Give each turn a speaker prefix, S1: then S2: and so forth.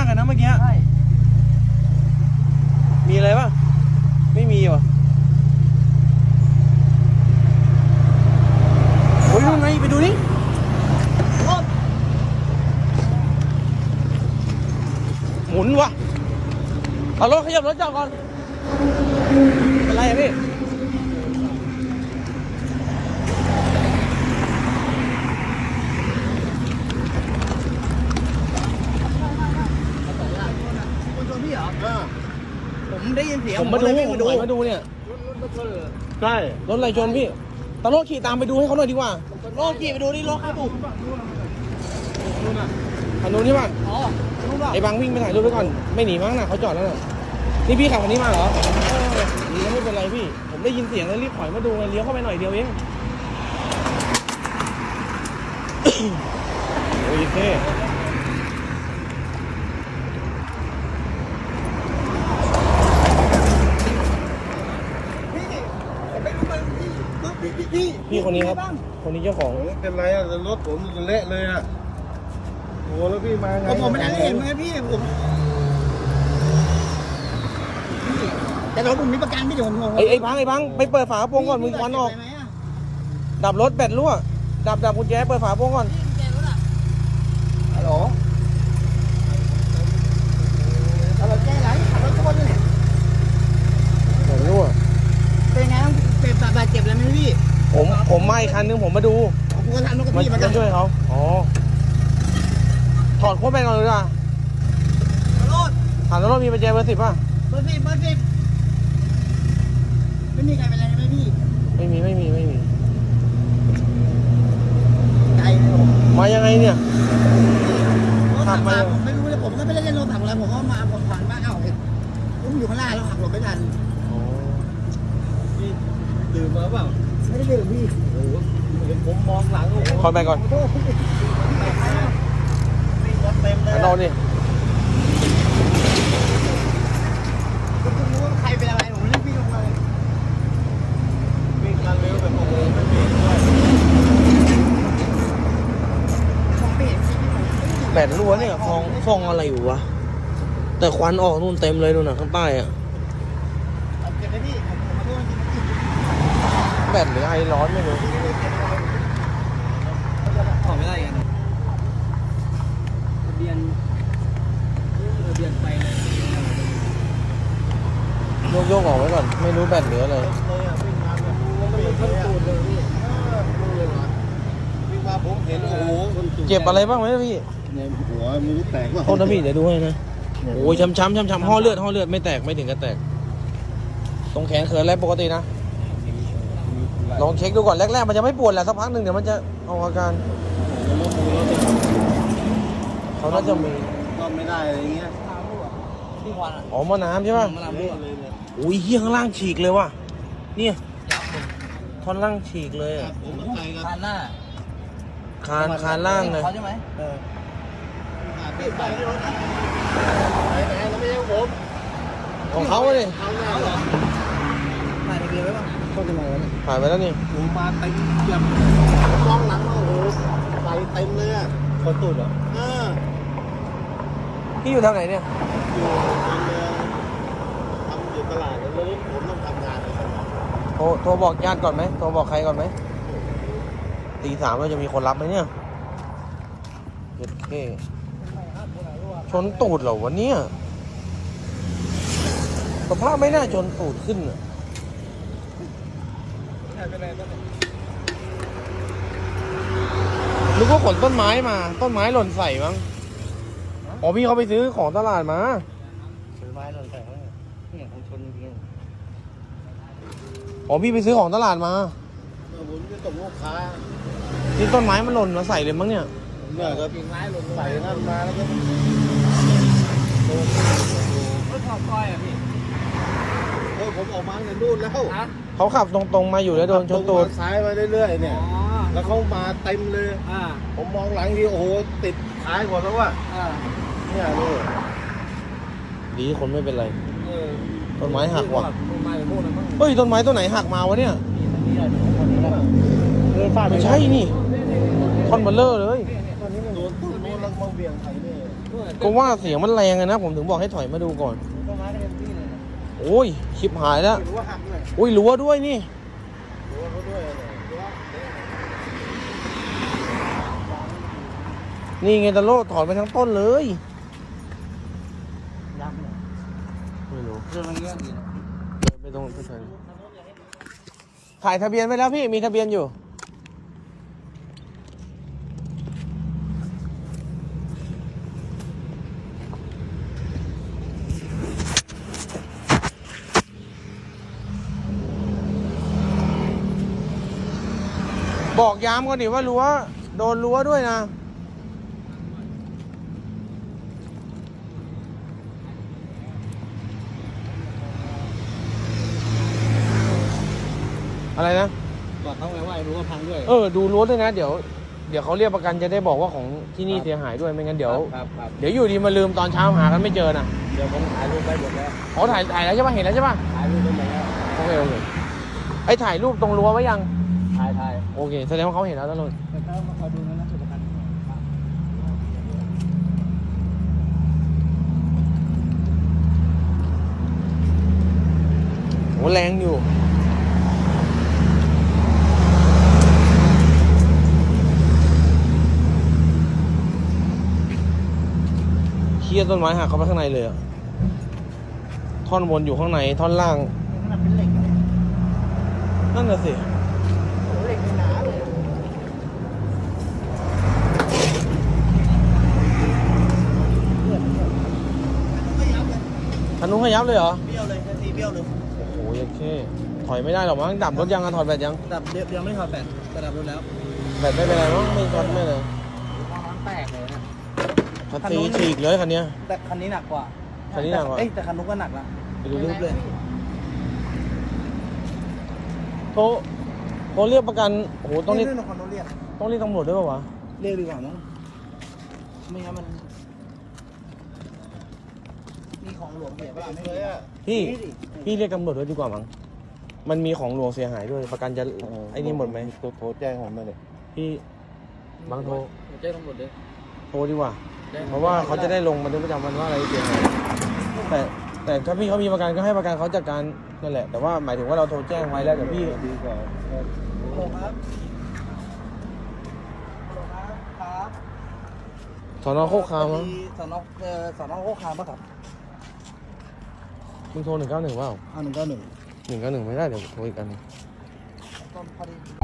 S1: ากเลยนะเมื่อกี้มีอะไรป่ะไม่มีวะโอ้ยนู่นไงไปดูนี่หมุนวะเอารถขยับรถจอดก่อนเป็นไรอะพี่
S2: ผมได้ยินเสียง
S1: ผมมาดูเนี่ยใช่รถอะไรชนพี่ตำรวจขี่ตามไปดูให้เขาหน่อยดีกว่า
S2: โลขี่ไปดูนี่รถใครบุก
S1: คันนู้นใช่ป่ะ
S2: อ๋อรู้ป่ะ
S1: ไอ้บางวิ่งไปถ่ายรูปไว้ก่อนไม่หนีมั้งนะเขาจอดแล้วน่ะนี่พี่ขับคันนี้มาเหรอหนีแล้วไม่เป็นไรพี่ผมได้ยินเสียงแล้วรีบถอยมาดูไงเลี้ยวเข้าไปหน่อยเดียวเองโอ้ยเท่พี่คนนี้ครับคนนี้เจ้าของ
S3: ไม่เป็นไรอะรถผมเละเลยอะโอ้แล้วพี่มาไง
S2: ผมไม่ได้เห็นไหมพี่ผมแต่รถผมมีประกันพี่เดี๋ยวผมงง
S1: ไอ้พังไปเปิดฝากระโปรงก่อนมึงควันออกดับรถแบตรั่วดับกุญแจเปิดฝากระโปรงก่อน
S2: ฮัลโหลเราแก้ไรขับรถชนเลย
S1: แบตรั่ว
S2: เป็นไงต้องเป็นบาดเจ็บอะไรไหมพี่
S1: ผมมาอีกคันนึงผมมาดู
S2: ผมก็ทำรถกับ
S1: มา
S2: พี่เหมือนกัน
S1: ช่วยเขาอ๋อถอดโค้ดแบนก่อนเลยดีกว่า
S2: รถ
S1: ถามแล้วรถมีปัจจัยเบอร์ 10ป่ะ
S2: เบอร์สิบไม่มีใครเป็นอะไรไหมพี่
S1: ไม่มี
S2: ใจเลยผม
S1: มายังไงเนี่ย
S2: รถขับมาผมไม่รู้เลยผมก็ไม่ได้เล่นรถถังอะไรผมก็มาผมผ่านบ้านเอ้าผมอยู่ข้างหน้าแล้วขับรถไม่ทัน
S3: พี่ดื่มมาเปล่า
S2: ไม่ได้ดื่มพี่
S3: โอ้โหเห็นผมมองหลังโอ้โห
S1: ถอดแบนก่อน
S3: วิ่งรถเต็มเลย
S1: นอนดิ
S2: ผมไม่รู้ว่าใครเป็นอะไรผมรีบวิ่งลงเลย
S3: วิ่งกันเร็วแบบโอ้โหไม่เบรกด้วย
S2: มองไม่เห็นพี่
S1: แบตรั่วเนี่ยฟองอะไรอยู่วะแต่ควันออกนู่นเต็มเลยนู่นน่ะข้างใต้อะ
S2: เก็บไว้พี่ผมขอโทษจริง
S1: แบตหรือไอร้อนไม่รู้
S2: ๆออกไม่ได้กันทะเบียนไปเลย
S1: โยกออกไว้ก่อนไม่รู้แบตเหลืออะไร
S3: เลยอะวิ่งมาแบบไม่เบรกเลยอะวิ่งมาผมเห็นโอ้โห
S1: เจ็บอะไรบ้างไหมพี่
S3: ในหัวมือแตกว่า
S1: โทษนะพี่เดี๋ยวดูให้นะโอ้ยช้ำห่อเลือดไม่แตกไม่ถึงกับแตกตรงแขนเขินอะไรปกตินะลองเช็คดูก่อนแรกๆมันจะไม่ปวดแหละสักพักหนึ่งเดี๋ยวมันจะเอาอาการเขาน่าจะมี
S3: ก็ไม่ได้อะไรเงี้ย
S2: ที่วัน
S1: อ๋อหม้อน้ำใช่ป่ะ
S2: มาลำด้วย
S3: เลยเนี่ย
S1: อุ้ยเฮี้ยข้างล่างฉีกเลยว่ะเนี่ยท่อนล่างฉีกเลยอะ
S3: ผมก็ไปกับ
S2: คันหน้า
S1: คานล่างเลย
S2: เขาใช่ไหม
S3: พี่ไปที่รถนะไปไหนแล้วไม่ใช่ผม
S1: ของเขาเลย
S3: เขาหน้าเหรอ
S2: ถ่ายทะเบียนไว้ป่ะเขาจะมาแล้ว
S1: ผ่านไปแล้วนี่
S3: ผมมาเต็มแบบมองหลังว่าโอ้โหใส่เต็มเลยอ่ะ
S1: คนตูดเหรอ พี่อยู่แถวไหนเนี่ย
S3: อยู่ในเมืองทำอยู่ตลาดแล้วรถผมต้องทำงานเลยครับ
S1: โทรบอกญาติก่อนไหมโทรบอกใครก่อนไหมตี 3เราจะมีคนรับไหมเนี่ยเจ็ดเคชนตูดเหรอวะเนี่ยสภาพไม่น่าชนตูดขึ้นอะนึกว่าขนต้นไม้มาต้นไม้หล่นใส่มั้งอ๋อพี่เขาไปซื้อของตลาดมา
S3: ซื้อไม้หล่นใส่เขาเนี่ย
S2: เนี่ยผมชนจริง
S1: อ๋อพี่ไปซื้อของตลาดมา
S3: ผมจะส่งลูกค้า
S1: นี่ต้นไม้มันหล่นมาใส่เลยมั้งเนี่ย
S3: เนี่ยก็
S2: กิ่งไม้หล่น
S3: ใส่นั่นมาแล้วก็
S2: รถขอบก้อยอ่ะพี่
S3: ผมออกมาในนู่นแล้ว
S2: ฮะ
S1: เขาขับตรงๆมาอยู่แล้วโดนชนตูด
S3: ซ้ายมาเรื่อยๆเนี่ย แล้วเขามาเต็มเลย ผมมองหลังทีโอ้โหติดท้ายหมดแล้วว่ะเนี่ยดู
S1: ดีคนไม่เป็นไร
S3: เออ
S1: ต้นไม้หักว่ะ
S2: ต้นไม้พวกนั้นมั้ง
S1: เฮ้ยต้นไม้ต้นไหนหักมาวะเนี่ย
S2: นี่ได้คนนี้แล้ว
S3: เดินฟาด
S1: ไม่ใช่นี่ท่อนเบลเลอร์เลย
S3: โดนตู้โน้นแล้วมาเบี่ยงไถนี่
S1: ก็ว่าเสียงมันแรงอะนะผมถึงบอกให้ถอยมาดูก่อน
S2: ต้นไม้ก็เต็มที่เลย
S1: โอ้ยชิบหายแล้ว
S2: หรือว่าหักด้วย
S1: อุ้ยรั้วด้วยนี่
S3: รั้วเขาด้วยเนี่ย
S1: นี่ไงตะโลถอนไปทั้งต้นเลย
S2: ยักษ์เลย
S1: ไม่รู้
S2: เรื่องมันเงี้ยดีนะ
S1: ไม่ต้องไม่ใช่ถ่ายทะเบียนไว้แล้วพี่มีทะเบียนอยู่บอกย้ำก่อนดิว่ารั้วโดนรั้วด้วยนะอะไรนะ
S2: บอกเขาไงว่ารู้ว่าพังด้วย
S1: ดูรั้วด้วยนะเดี๋ยวเขาเรียกประกันจะได้บอกว่าของที่นี่เสียหายด้วยไม่งั้นเดี๋ยว
S2: ครับ
S1: เดี๋ยวอยู่ดีมาลืมตอนเช้าหากันไม่เจอนะ
S2: เดี๋ยวผมถ่ายรูปไปหมดแล้ว
S1: อ๋อถ่ายแล้วใช่ปะเห็นแล้วใช่ปะ
S2: ถ่ายรูปไปหมดแล้ว
S1: โอเคไอ้ถ่ายรูปตรงรั้วไว้ยัง
S2: ถ่าย
S1: โอเคแสดงว่าเขาเห็นแล้วตลอด
S2: แต่ถ้ามาคอยดูนะสุขภัณฑ์
S1: โหแรงอยู่เคี่ยต้นไม้หักเข้าไปข้างในเลยอะท่อนบนอยู่ข้างในท่อนล่าง
S2: ขนาดเป็นเหล็กนะ
S1: นั่นน่ะสิ
S2: เหล็กหนาเลยไม่ยับเลย
S1: คันนู้นขยับเลยเหรอ
S2: เบี้ยวเลยทีเบี้ยวเลย
S1: โอ้โหยัดแค่ถอยไม่ได้หรอกมั้งดับรถยังอะถอดแบตยัง
S2: ดับเดี๋ยวไม่ถอดแบตแต่ดับรถแล้ว
S1: แบตไม่เป็นไรมั้งไม่ช็อตไม่เลย
S2: น้ำแตกเลยนะ
S1: คันซีฉีกเลยคันเนี้ย
S2: แต่คันนี้หนักกว่า
S1: คันนี้หนักกว่า
S2: แต่คันนู้นก็หนักนะ
S1: ไปดูรูปเลย
S2: ย
S1: โทรเรียกประกันโอ้โหต้องเรียก
S2: เรื่องของคันนู้นเรียก
S1: ต้องเรียกตำรวจด้วยป่าวะ
S2: เรียกดีกว่ามั้งไม่งั้นมันมีของหลวงเสียป่ะไม่
S3: เล
S2: มี
S3: ยอ่ะ
S1: พี่เรียกตำรวจด้วยดีกว่ามั้งมันมีของหลวงเสียหายด้วยประกันจะไอ้นี่หมดไหม
S3: โทรแจ้งผมมาเลย
S1: พี่บางโทร
S2: แจ้งตำรวจเลย
S1: โทรดีกว่า เพราะว่าเขาจะได้ลงบันทึกประจำวันว่าอะไรเสียหายแต่ถ้าพี่เขามีประกันก็ให้ประกันเขาจัดการนั่นแหละแต่ว่าหมายถึงว่าเราโทรแจ้งไว้แล้วแต่พี่
S3: ดีกว่า
S2: ฮัลโหลครับครับ
S1: สอนอโคกคามมั้ง
S2: สอนอโคกคามป่ะครับ
S1: มึงโทร191เปล่า
S2: 191
S1: 191ไม่ได้เดี๋ยวโทรอีกกันง
S2: ก็พอดี